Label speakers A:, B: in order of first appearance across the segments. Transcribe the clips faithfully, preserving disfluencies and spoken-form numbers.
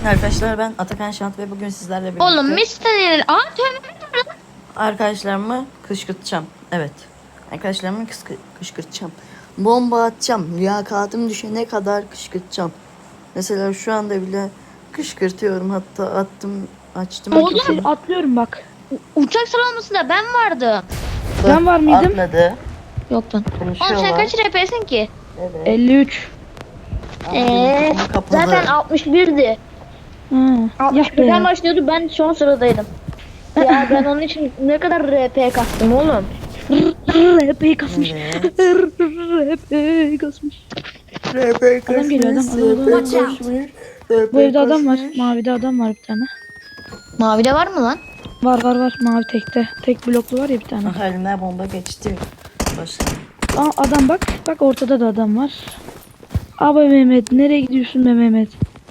A: Arkadaşlar ben Atakan Şant ve bugün sizlerle birlikte
B: Oğlum mister Aa tövbe.
A: arkadaşlarımı kışkırtacağım. Evet. Arkadaşlarımı kıskı- kışkırtacağım. Bomba atacağım. Liyakatım düşene kadar kışkırtacağım. Mesela şu anda bile kışkırtıyorum. Hatta attım, açtım.
B: Oğlum,
A: mikrofonu.
C: Atlıyorum bak.
B: Uçak sıralamasında ben vardım.
C: Ben var mıydım?
A: Atladı.
B: Yoktun. Oğlum sen
A: Konuşuyorlar.
B: kaç R P'sin ki?
A: Evet.
C: elli üç.
B: Eee
A: Ama kapalı.
B: zaten altmış birdi.
C: Ha. Ya
B: altmış
C: be.
B: birden başlıyordu, ben son sıradaydım. Ya ben onun için ne kadar R P kastım oğlum.
C: R P kasmış.
A: Evet.
C: R P kasmış. Adam geliyor, adam, adam, adam. Bu evde adam var. Mavide adam var bir tane.
B: Mavide var mı lan?
C: Var var var. Mavi tekte. Tek bloklu var ya bir tane.
A: Ah, eline bomba geçti. Başla.
C: Aa adam bak. Bak ortada da adam var. Abi Mehmet. Nereye gidiyorsun be Mehmet?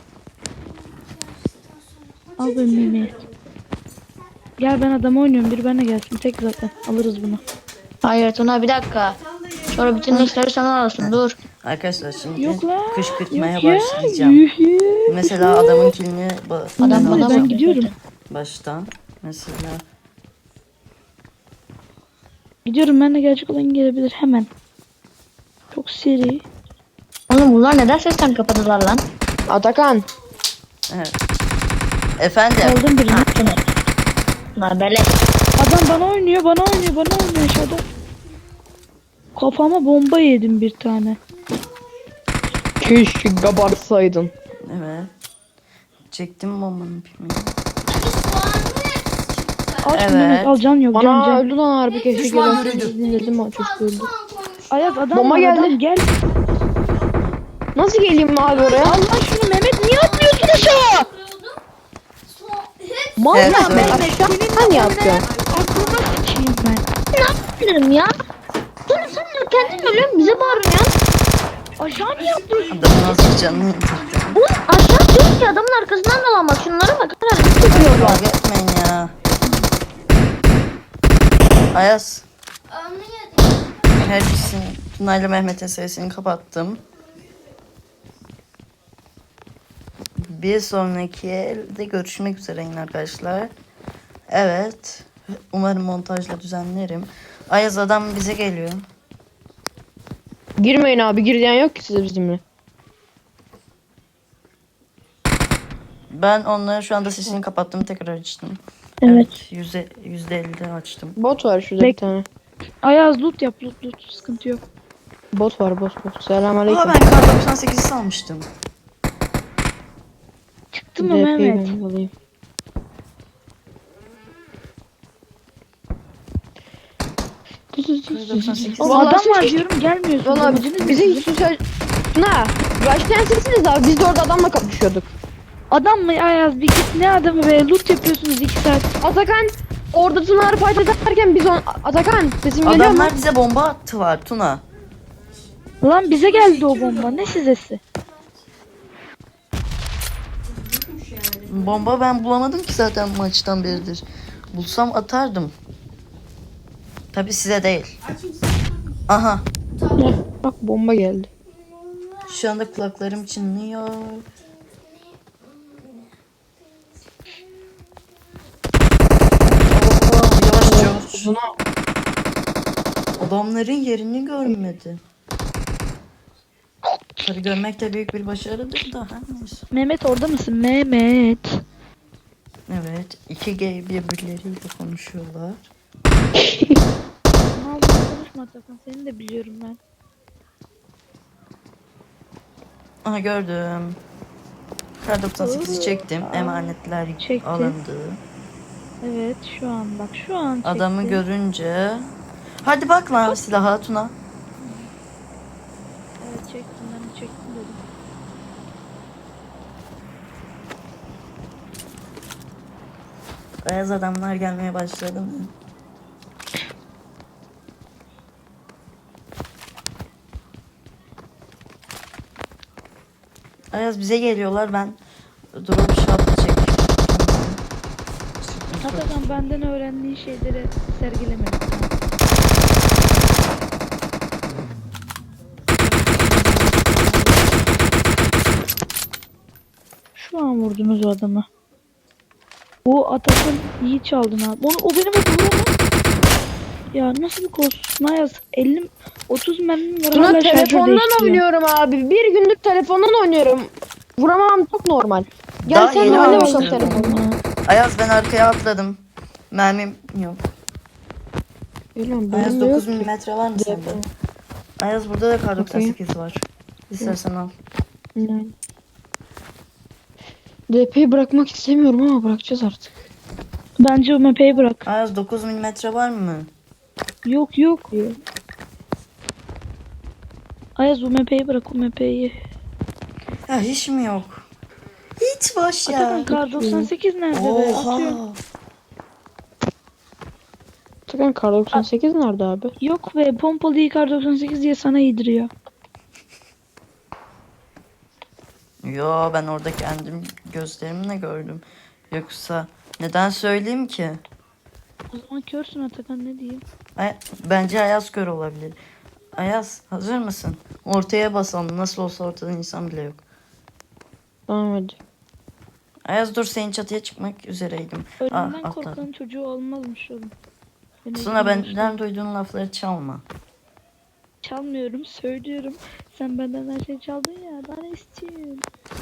C: Al be Mehmet. Gel ben adam oynuyorum. Bir benle gelsin. Tek zaten. Alırız bunu.
B: Hayır Tuna, bir dakika. Sonra bütün işleri sana alırsın, dur.
A: Arkadaşlar şimdi
C: Yok la.
A: kışkırtmaya
C: Yok ya.
A: başlayacağım.
C: Yuh ya.
A: Mesela adamın kilini ba-
B: Adam
A: ben
B: bana
A: alacağım
C: ben gidiyorum.
A: baştan. Mesela
C: Gidiyorum, ben de gelecek olan gelebilir hemen. Çok seri.
B: Oğlum bunlar neden sesten kapadılar lan?
D: Atakan.
A: evet. Efendim.
C: Aldım birini.
B: Bunlar böyle.
C: Adam bana oynuyor, bana oynuyor, bana oynuyor aşağıda. Kafama bomba yedim bir tane.
D: Keşke kabarsaydın.
A: Evet. Çektim bombanın pimini.
C: Al
A: Evet.
C: şunu Mehmet, al, can yok, can
D: Ana
C: can.
D: öldü lan harbi, keşke gelen dedim ama çocuk öldü.
C: Ayaz adam
D: Bomba
C: var,
D: geldi.
C: adam gel.
D: Nasıl geleyim abi oraya?
C: Allah şunu Mehmet, niye atlıyorsun aşağı?
D: Mal
A: Evet,
D: ya ben
A: evet.
D: aşağı ne yapıyorsun?
C: Aklıma sıçayım ben.
B: Ne yapıyorum ya? Dur sen de kendin ölüyorsun, bize bağırıyorsun ya.
C: Aşağı niye atlıyorsun?
A: Adamın nasıl canını yıktı.
B: Oğlum aşağı diyorum ki adamın arkasından dolan, bak şunlara bak. Herhalde tutuyorlar.
A: Kavga etmeyin ya. Ayaz. Her ikisini Tuna'yla Mehmet'in sesini kapattım. Bir sonraki elde görüşmek üzere yine arkadaşlar. Evet. Umarım montajla düzenlerim. Ayaz adam bize geliyor.
D: Girmeyin abi, girdiyen yok ki size bizimle.
A: Ben onların şu anda sesini kapattım, tekrar açtım.
C: Evet.
A: Yüzde yüzde ellide açtım.
D: Bot var şurada
C: Bek-
D: bir tane.
C: Ayaz loot yap, loot loot, sıkıntı yok.
D: Bot var, bot bot. Selamünaleyküm.
A: Aa, ben kar doksan sekizi almıştım.
C: Çıktı mı
D: D P'yi
C: Mehmet?
D: ben alayım.
A: doksan sekiz.
C: Oğlum
D: Vallahi
C: adam
D: siz
C: var
D: hiç-
C: diyorum, gelmiyorsun.
D: Valla
C: Amacınız
D: bize
C: ne?
D: hiç söz... Ne? Başlayan sizsiniz abi, biz de orada adamla kapışıyorduk.
C: Adam mı Ayaz, bir git, ne adamı be, loot yapıyorsunuz iki saat.
D: Atakan orada Tuna'ları fight ederken biz on... Atakan sesim geliyor mu?
A: Adamlar bize bomba attılar Tuna.
C: Lan bize geldi o bomba, ne sizesi?
A: Bomba ben bulamadım ki zaten maçtan beridir. Bulsam atardım. Tabi size değil. Aha.
D: Heh, bak bomba geldi.
A: Şu anda kulaklarım çınlıyor. Oo, yavaş yavaş.
D: Buna
A: Adamların yerini görmedi. Tabi görmek de büyük bir başarıdır da. Ha, neyse.
C: Mehmet orada mısın Mehmet?
A: Evet. iki gay birbirleriyle konuşuyorlar.
C: Ne oldu, konuşma Atakan, seni de biliyorum ben.
A: Aha gördüm. Kar doksan sekizi çektim. Emanetler
C: Çektin.
A: alındı.
C: Evet şu an bak, şu an çektim.
A: Adamı görünce. Hadi bak lan silaha Tuna.
C: Evet çektim, ben de çektim dedim.
A: Beyaz adamlar gelmeye başladı mı? Ayaz bize geliyorlar, ben drop shot çek.
C: Atakan benden öğrendiği şeyleri sergileme lütfen. Şu an vurdum. vurdunuz o adamı. O Atakan iyi çaldın abi. Onu, o benim adamım ama. Ya nasıl bir kolsuzsun Ayaz? elli otuz mermim var
D: Tuna
C: hala şarjör
D: telefondan
C: değiştiriyor.
D: oynuyorum abi. Bir gündür telefondan oynuyorum. Vuramam çok normal. Gel
A: Daha
D: sen
A: yeni
D: de oyna bakalım
A: almıştım.
D: telefonla.
A: Ayaz ben arkaya atladım. Mermim yok.
D: Bilmiyorum
A: Ayaz
D: benim de yok
A: dokuz
D: ki.
A: milimetre var mı sende? Ayaz burada da kar doksan sekiz var. İstersen al.
D: Yani. D P'yi bırakmak istemiyorum ama bırakacağız artık.
C: Bence o mepeyi bırak.
A: Ayaz dokuz milimetre var mı?
C: Yok yok. Ayaz o mepeyi bırak o mepeyi.
A: Ya hiç mi yok? Hiç boş ya.
C: Atakan kar doksan sekiz nerede be? Atıyorum.
A: Oha.
D: Atakan kar doksan sekiz nerede abi?
C: Yok be pompalı kar doksan sekiz diye sana yediriyor.
A: Yo ben orada kendim gözlerimle gördüm. Yoksa neden söyleyeyim ki?
C: O zaman körsün Atakan ne diyeyim.
A: Ay, bence Ayaz kör olabilir. Ayaz hazır mısın? Ortaya basalım. Nasıl olsa ortada insan bile yok.
D: Tamam hadi.
A: Ayaz dur senin çatıya çıkmak üzereydim. Ah
C: Ölümden
A: atladım.
C: korkan çocuğu olmazmış oğlum. Beni
A: Tuna
C: üzülmüş.
A: benden duyduğun lafları çalma.
C: Çalmıyorum söylüyorum. Sen benden her şey çaldın ya. Daha ne istiyorsun?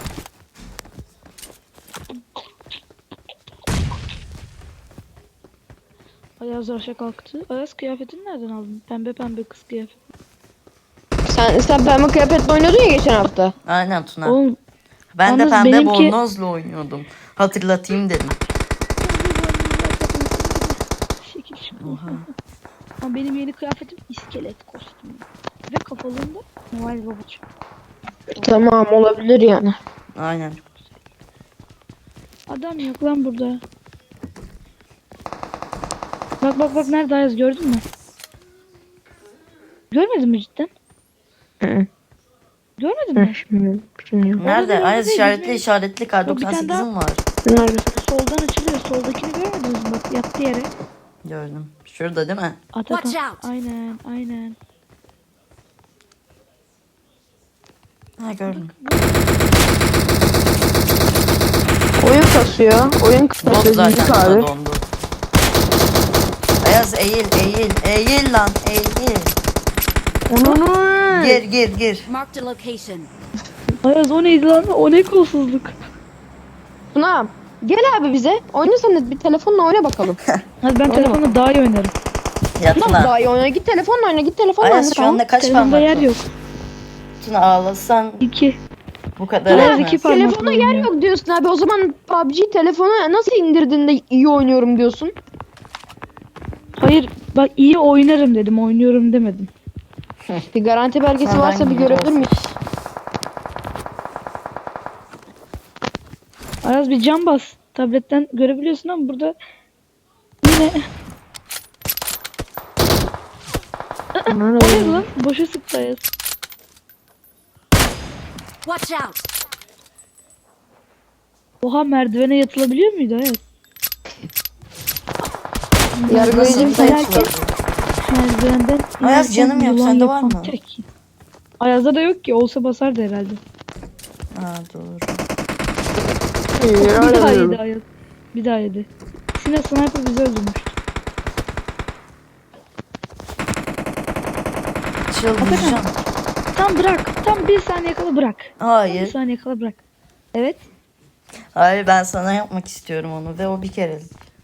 C: Ayaz aşağı kalktı. Ayaz kıyafetini nereden aldın? Pembe pembe kız kıyafeti.
D: Sen, sen pembe kıyafetle oynuyordun ya geçen hafta.
A: Aynen Tuna.
C: Oğlum
A: Ben de
C: yalnız
A: pembe
C: benimki-
A: bornozla oynuyordum. Hatırlatayım dedim.
C: şekil şık.
A: Oha.
C: Ama benim yeni kıyafetim iskelet kostümü. Ve kafalığında Noel Baba çıktı.
D: Tamam olabilir yani.
A: Aynen.
C: Adam yok lan burada. Bak bak bak nerede Ayaz gördün mü? Görmedin mi cidden?
D: Hı.
C: Görmedin
D: Hı,
C: mi?
D: bilmiyorum, bilmiyorum.
A: Nerede?
C: değil,
A: Ayaz
C: değil,
A: işaretli
C: bizim-
A: işaretli kar
C: Yok, bir tane
A: doksan sekizim var.
D: Nerede?
C: Soldan açılıyor. Soldakini görmediniz mi? Bak yattı yere.
A: Gördüm. Şurada değil mi?
C: Atakan.
B: Watch out.
C: Aynen aynen.
A: Ha gördüm.
D: Oyun kasıyor. Oyun
A: Bot
D: kasıyor.
A: zaten
D: Büyük
A: Tuna
D: abi.
A: dondu. Ayaz eğil eğil. Eğil lan eğil.
D: Onu
A: Gir gir gir.
B: Marked a location.
C: Ayaz o neydi lan? O ne kolsuzluk.
D: Tuna gel abi bize. Oyna sen de bir telefonla oyna bakalım.
C: Hadi ben telefonla daha iyi oynarım.
A: Ya
D: Nasıl
A: Tuna.
D: daha iyi oyna? Git telefonla oyna. Git telefonla oyna.
A: Ayaz şu anda kaç
C: Telefonda
A: parmak
C: yer
A: var?
C: yok.
A: Tuna ağlasan
C: İki.
A: bu kadar
C: Ayaz
A: etmez.
C: iki parmakla
D: Telefona yer
C: oynuyor.
D: yok diyorsun abi. O zaman P U B G telefona nasıl indirdin de iyi oynuyorum diyorsun?
C: Hayır bak iyi oynarım dedim. Oynuyorum demedim.
D: Bir garanti belgesi
A: Senden
D: varsa bir
A: gibi
D: görebilir
A: olsun.
D: miyiz?
C: Ayaz bir cam bas. Tabletten görebiliyorsun ama burada yine o ne lan? Boşa sıktı Ayaz.
B: Watch out.
C: Oha merdivene yatılabiliyor muydu Ayaz?
D: Yargılayıcı bir
A: Nasıl
C: Felaket. Merdivenden
A: Ayaz,
C: inerken
A: canım yok,
C: yılan
A: sende var
C: yapan
A: mı?
C: tek. Ayaz'da da yok ki. Olsa basardı herhalde.
A: Ha doğru.
C: Bir daha yedi Ayaz. Bir daha yedi. Sine sniper bizi öldürmüş.
A: Çıldıracağım.
C: Tam bırak. Tam bir saniye kala bırak. Tam bir
A: Hayır.
C: saniye kala bırak. Evet.
A: Hayır ben sana yapmak istiyorum onu ve o bir kere.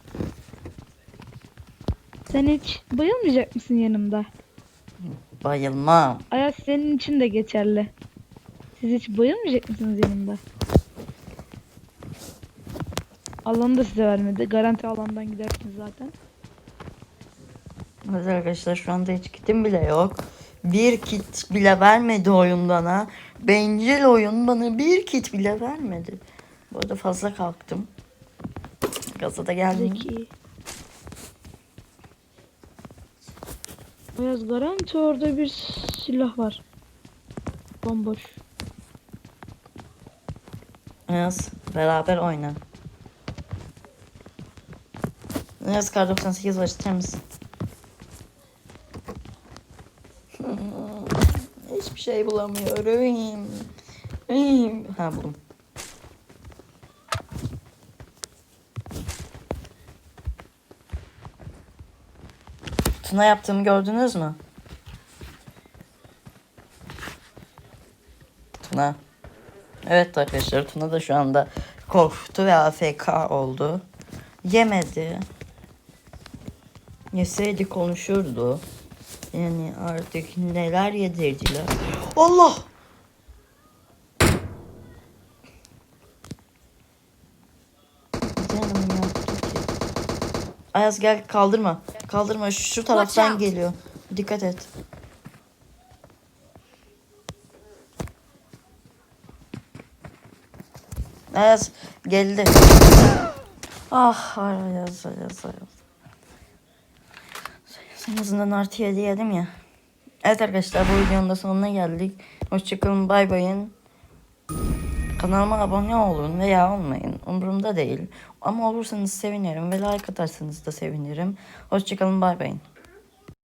C: Sen hiç bayılmayacak mısın yanımda?
A: Bayılmam.
C: Ayaz senin için de geçerli. Siz hiç bayılmayacak mısınız yanımda? Alanı da size vermedi. Garanti alandan gidersiniz zaten.
A: Evet arkadaşlar şu anda hiç kitim bile yok. Bir kit bile vermedi oyun bana. Bencil oyun bana bir kit bile vermedi. Bu arada fazla kalktım. Gaza da geldim.
C: Zeki. Ayaz garanti orada bir silah var. Bomboş.
A: Yaz beraber oyna. Yaz kar doksan sekiz var ister misin? Hiçbir şey bulamıyorum. Ha buldum. Tuna yaptığımı gördünüz mü? Tuna. Evet arkadaşlar, Tuna da şu anda korktu ve A F K oldu. Yemedi. Yeseydi konuşurdu. Yani artık neler yedirdiler. Allah! Canım yaptı ki. Ayaz gel, kaldırma. Kaldırma, şu taraftan geliyor. Dikkat et. Ayaz geldi. Ah Ayaz, Ayaz, Ayaz. En azından artı yedi yedim ya. Evet arkadaşlar, bu videonun da sonuna geldik. Hoşçakalın, bay bayın. Kanalıma abone olun veya olmayın. Umurumda değil. Ama olursanız sevinirim ve like atarsanız da sevinirim. Hoşçakalın, bay bayın.